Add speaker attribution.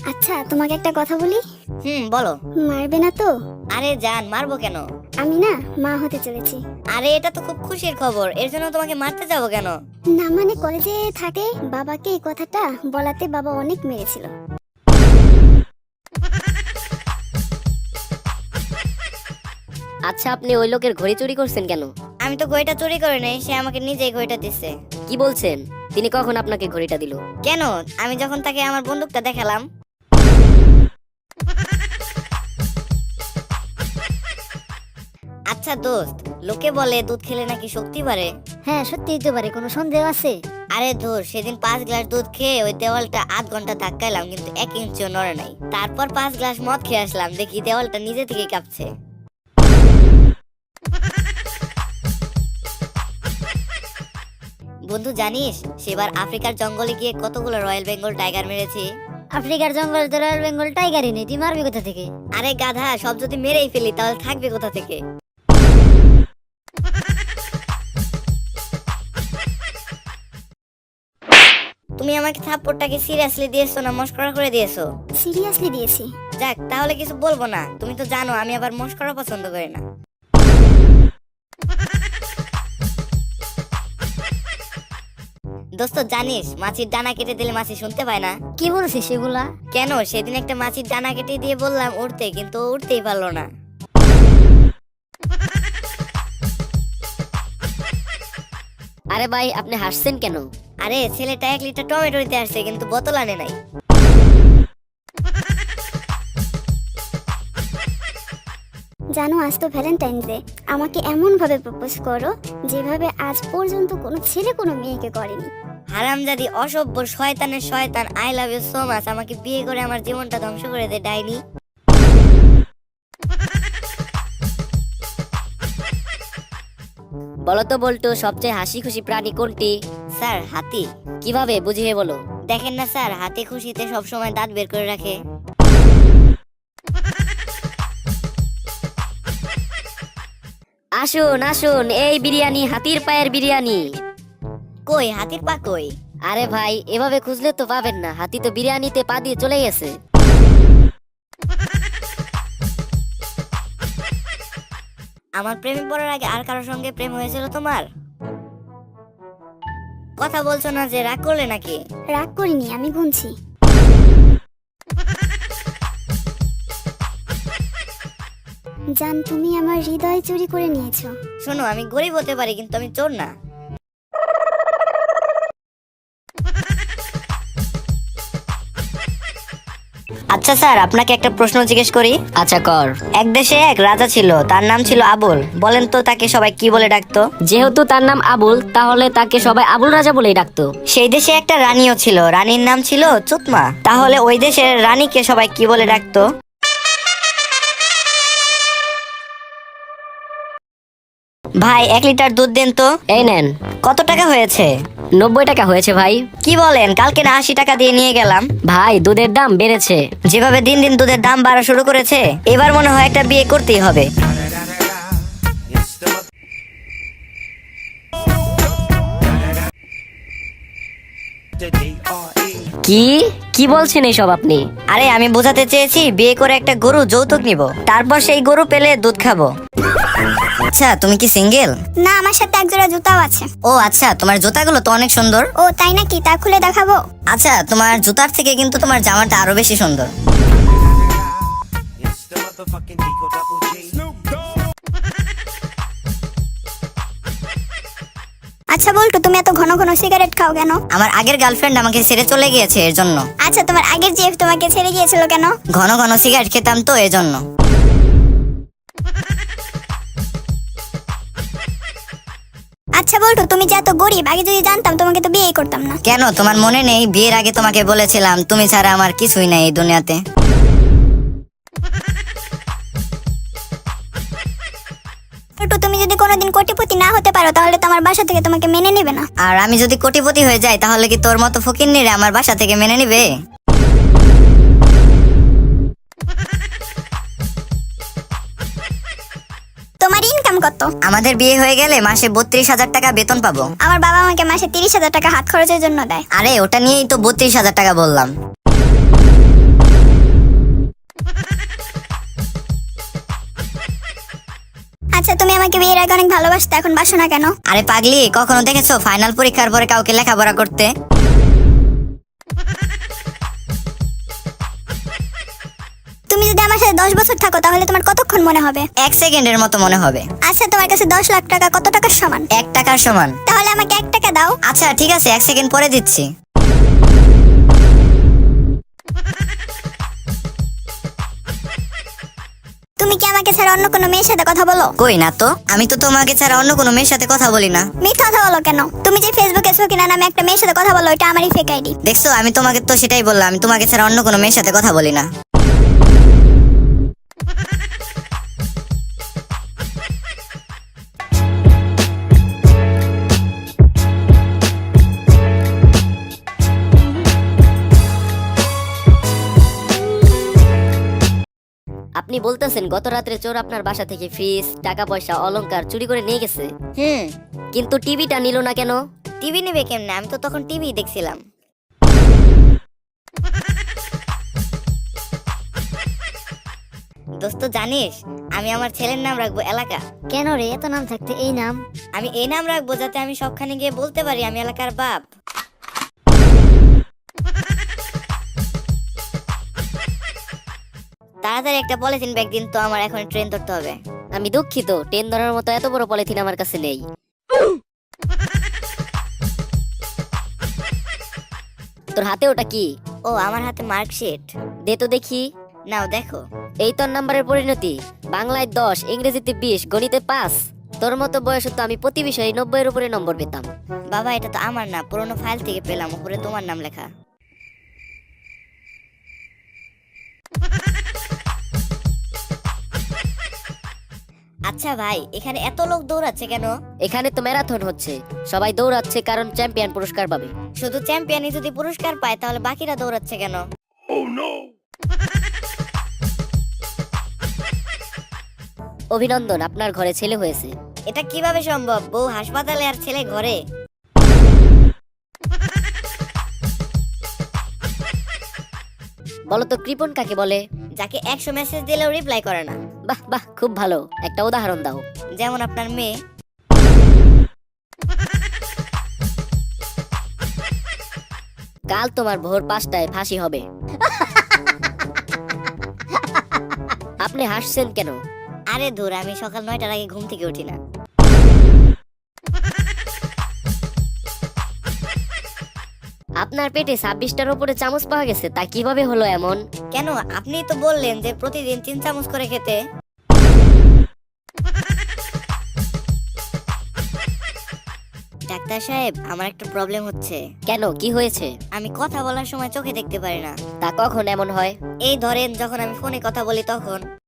Speaker 1: আচ্ছা তোমাকে একটা কথা বলি।
Speaker 2: বলো।
Speaker 1: মারবে না তো?
Speaker 2: আরে জান, মারবো কেন?
Speaker 1: আমি না মা হতে চলেছি।
Speaker 2: আরে এটা তো খুব খুশির খবর, এর জন্য তোমাকে মারতে যাবো কেন?
Speaker 1: না মানে কলেজে থাকে, বাবাকে এই কথাটা বলাতে বাবা অনেক মেরেছিল।
Speaker 3: আচ্ছা, আপনি ওই লোকের ঘড়ি চুরি করছেন কেন?
Speaker 2: আমি তো ঘড়িটা চুরি করে নাই, সে আমাকে নিজেই ঘড়িটা দিচ্ছে।
Speaker 3: কি বলছেন? তিনি কখন আপনাকে ঘড়িটা দিল?
Speaker 2: কেন? আমি যখন তাকে আমার বন্দুকটা দেখালাম। আচ্ছা দোস্ত, লোকে বলে দুধ খেলে নাকি শক্তি বাড়ে।
Speaker 1: হ্যাঁ সত্যিই তো পারে, কোনো সন্দেহ আছে?
Speaker 2: আরে ধুর, সেদিন 5 গ্লাস দুধ খেয়ে ওই দেওয়ালটা আধ ঘন্টা ধাক্কাইলাম, কিন্তু 1 ইঞ্চিও নড়ে নাই। তারপর 5 গ্লাস মদ খেয়ে আসলাম, দেখি দেওয়ালটা নিজে থেকে কাঁপছে। বন্ধু জানিস, সেবার আফ্রিকার জঙ্গলে গিয়ে কতগুলো রয়্যাল বেঙ্গল টাইগার মেরেছি।
Speaker 1: আফ্রিকার জঙ্গল তো রয়্যাল বেঙ্গল টাইগারই নেই, তুই মারবি কোথা থেকে?
Speaker 2: আরে গাধা, সব যদি মেরেই ফেলি তাহলে থাকবে কোথা থেকে? তুমি আমাকে থাপ্পড়টাকে সিরিয়াসলি দিয়েছো না মস্করা করে দিয়েছো?
Speaker 1: সিরিয়াসলি দিয়েছি।
Speaker 2: যাক, তাহলে কিছু বলবো না। তুমি তো জানো আমি আবার মস্করা পছন্দ করি না। দোস্ত জানিস, মাছির ডানা কেটে দিলে মাছি শুনতে পায় না।
Speaker 1: কি বলছিস সেগুলা?
Speaker 2: কেন? সেদিন একটা মাছির ডানা কেটে দিয়ে বললাম উড়তে, কিন্তু ও উড়তেই পারলো না।
Speaker 3: আরে ভাই, আপনি হাসছেন কেন?
Speaker 2: আরে ছেলেটা 1 লিটার টমেটো নিতে আসছে, কিন্তু বোতল আনে নাই।
Speaker 1: জানো আজ তো ভ্যালেন্টাইন ডে, আমাকে এমন ভাবে প্রপোজ করো যেভাবে আজ পর্যন্ত কোনো ছেলে কোনো মেয়েকে করেনি।
Speaker 2: হারামজাদি, অসভ্য, শয়তানের শয়তান, I love you so much. আমাকে বিয়ে করে আমার জীবনটা ধ্বংস করে দে ডাইনি।
Speaker 3: বলো তো বল্টু, সবচেয়ে হাসি খুশি প্রাণী কোনটি?
Speaker 2: স্যার, হাতি।
Speaker 3: কিভাবে বুঝিয়ে বলো।
Speaker 2: দেখেন না স্যার, হাতি খুশিতে সবসময় দাঁত বের করে রাখে।
Speaker 3: আসুন আসুন, এই বিরিয়ানি হাতির পায়ের বিরিয়ানি।
Speaker 2: কই হাতির পা কই?
Speaker 3: আরে ভাই, এভাবে খুঁজলে তো পাবেন না, হাতি তো বিরিয়ানিতে পা দিয়ে চলে গেছে।
Speaker 2: আমার প্রেমে পড়ার আগে আর কারোর সঙ্গে প্রেম হয়েছিল তোমার? কথা বলছো না যে, রাগ করলে নাকি?
Speaker 1: রাগ করিনি, আমি গুনছি। জান, তুমি আমার হৃদয় চুরি করে নিয়েছো।
Speaker 2: শোনো, আমি গরিব হতে পারি, কিন্তু আমি চোর না। আচ্ছা স্যার, আপনাকে একটা প্রশ্ন জিজ্ঞেস করি।
Speaker 3: আচ্ছা কর।
Speaker 2: এক দেশে এক রাজা ছিল, তার নাম ছিল আবুল। বলেন তো তাকে সবাই কি বলে ডাকতো?
Speaker 3: যেহেতু তার নাম আবুল, তাহলে তাকে সবাই আবুল রাজা বলেই ডাকতো।
Speaker 2: সেই দেশে একটা রানীও ছিল, রানীর নাম ছিল চুতমা। তাহলে ওই দেশের রানীকে সবাই কি বলে ডাকতো? ভাই 1 লিটার দুধ দেন তো।
Speaker 3: এই নেন।
Speaker 2: কত টাকা হয়েছে?
Speaker 3: 90 টাকা হয়েছে ভাই।
Speaker 2: কি বলেন? কালকে না 80 টাকা দিয়ে নিয়ে গেলাম।
Speaker 3: ভাই, দুধের দাম বেড়েছে।
Speaker 2: যেভাবে দিন দিন দুধের দাম বাড়া শুরু করেছে, এবার মনে হয় একটা বিয়ে করতেই হবে।
Speaker 3: কি কি বলছেন এইসব আপনি?
Speaker 2: আরে আমি বোঝাতে চেয়েছি, বিয়ে করে একটা গরু যৌতুক নিব, তারপর সেই গরু পেলে দুধ খাবো। আচ্ছা, তুমি কি সিঙ্গেল?
Speaker 1: না, আমার সাথে একজোড়া জুতাও আছে।
Speaker 2: ও আচ্ছা, তোমার জুতাগুলো তো অনেক সুন্দর।
Speaker 1: ও তাই নাকি? তা খুলে দেখাবো?
Speaker 2: আচ্ছা, তোমার জুতার থেকে কিন্তু তোমার জামাটা আরো বেশি সুন্দর।
Speaker 1: আচ্ছা বল্টু, তুমি এত ঘন ঘন সিগারেট খাও কেন?
Speaker 2: আমার আগের গার্লফ্রেন্ড আমাকে ছেড়ে চলে গিয়েছে, এর জন্য।
Speaker 1: আচ্ছা, তোমার আগের জিএফ তোমাকে ছেড়ে গিয়েছিল কেন?
Speaker 2: ঘন ঘন সিগারেট খেতাম তো, এর জন্য।
Speaker 1: আচ্ছা বল্টু, তুমি যে এত গরিব, আগে যদি জানতাম তোমাকে তো বিয়েই করতাম না।
Speaker 2: কেন, তোমার মনে নেই বিয়ের আগে তোমাকে বলেছিলাম তুমি ছাড়া আমার কিছুই নাই এই দুনিয়াতে?
Speaker 1: বল্টু, তুমি যদি কোনোদিন কোটিপতি না হতে পারো তাহলে তো আমার বাসা থেকে তোমাকে মেনে নেবে না।
Speaker 2: আর আমি যদি কোটিপতি হয়ে যাই, তাহলে কি তোর মতো ফকিন্নিরে আমার বাসা থেকে মেনে নিবে?
Speaker 1: তোমার ইনকাম কত?
Speaker 2: আমাদের বিয়ে হয়ে গেলে মাসে 32,000 টাকা বেতন পাবো।
Speaker 1: আমার বাবা আমাকে মাসে 30,000 টাকা হাত খরচের জন্য দেয়।
Speaker 2: আরে ওটা নিয়েই তো 32,000 টাকা বললাম।
Speaker 1: আমাকে বিয়ের আগে অনেক ভালোবাসতে, এখন বাসো না কেন?
Speaker 2: আরে পাগলি, কখনো দেখেছো ফাইনাল পরীক্ষার পরে কাউকে লেখাপড়া করতে?
Speaker 1: তুমি যদি আমার সাথে 10 বছর থাকো তাহলে তোমার কতক্ষণ মনে হবে?
Speaker 2: 1 সেকেন্ডের মতো মনে হবে।
Speaker 1: আচ্ছা, তোমার কাছে 10 লাখ টাকা কত টাকার সমান?
Speaker 2: 1 টাকার সমান।
Speaker 1: তাহলে আমাকে 1 টাকা দাও।
Speaker 2: আচ্ছা ঠিক আছে, 1 সেকেন্ড পরে দিচ্ছি।
Speaker 1: তুমি কি আমাকে ছাড়া অন্য কোনো মেয়ের সাথে কথা বলো?
Speaker 2: কই না তো, আমি তো তোমাকে ছাড়া অন্য কোনো মেয়ের সাথে কথা বলি না।
Speaker 1: মিথ্যা কথা বলো কেন? তুমি যে ফেসবুকে সকিনা নামে একটা মেয়ের সাথে কথা বলো, এটা আমারই ফেক আইডি।
Speaker 2: দেখছো, আমি তোমাকে তো সেটাই বললাম, আমি তোমাকে ছাড়া অন্য কোনো মেয়ের সাথে কথা বলি না।
Speaker 3: আপনি বলতেছেন গত রাত্রে চোর আপনার বাসা থেকে ফ্রিজ, টাকা পয়সা, অলংকার চুরি করে নিয়ে গেছে, কিন্তু টিভিটা নিল না কেন?
Speaker 2: টিভি নেবে কেমনে? আমি তো তখন টিভি দেখছিলাম। দোস্ত জানিস, আমি আমার ছেলের নাম রাখবো এলাকা।
Speaker 3: কেন রে, এত নাম থাকতে এই নাম?
Speaker 2: আমি এই নাম রাখবো যাতে আমি সবখানে গিয়ে বলতে পারি আমি এলাকার বাপ। তাড়াতাড়ি একটা পলিথিন ব্যাগ দিন তো, আমার এখন ট্রেন ধরতে হবে।
Speaker 3: আমি দুঃখিত, ট্রেন ধরার মতো এত বড় পলিথিন আমার কাছে নেই। তোর হাতে ওটা কি?
Speaker 2: ও, আমার হাতে মার্কশিট।
Speaker 3: দে তো দেখি।
Speaker 2: নাও দেখো।
Speaker 3: এই তোর নাম্বারের পরিণতি, বাংলায় 10, ইংরেজিতে 20, গণিতে 5। তোর মতো বয়সে তো আমি প্রতি বিষয়ে 90-এর উপরে নম্বর পেতাম।
Speaker 2: বাবা, এটা তো আমার না, পুরোনো ফাইল থেকে পেলাম, উপরে তোমার নাম লেখা। আচ্ছা ভাই, এখানে এত লোক দৌড়াচ্ছে কেন?
Speaker 3: এখানে তো ম্যারাথন হচ্ছে, সবাই দৌড়াচ্ছে কারণ চ্যাম্পিয়ন পুরস্কার পাবে।
Speaker 2: শুধু চ্যাম্পিয়নই যদি পুরস্কার পায় তাহলে বাকিরা দৌড়াচ্ছে কেন?
Speaker 3: অভিনন্দন, আপনার ঘরে ছেলে হয়েছে।
Speaker 2: এটা কিভাবে সম্ভব? বউ হাসপাতালে আর ছেলে ঘরে।
Speaker 3: বলো তো কৃপণ কাকে বলে?
Speaker 2: যাকে 100 মেসেজ দিলেও রিপ্লাই করে না।
Speaker 3: বাহ বাহ, খুব ভালো, একটা উদাহরণ দাও।
Speaker 2: যেমন আপনার মেয়ে।
Speaker 3: কাল তোমার ভোর 5টায় ফাঁসি হবে। আপনি হাসছেন কেন?
Speaker 2: আরে ধুর, আমি সকাল 9টার আগে ঘুম থেকে উঠি না।
Speaker 3: আপনার পেটে 26টার উপরে চামচ পাওয়া গেছে, তা কিভাবে হলো এমন?
Speaker 2: কেন? আপনি তো বললেন যে প্রতিদিন 3 চামচ করে খেতে। ডাক্তার সাহেব, আমার একটা প্রবলেম হচ্ছে।
Speaker 3: কেন, কি হয়েছে?
Speaker 2: আমি কথা বলার সময় চোখে দেখতে পারি না।
Speaker 3: তা কখন এমন হয়?
Speaker 2: এই ধরেন, যখন আমি ফোনে কথা বলি তখন।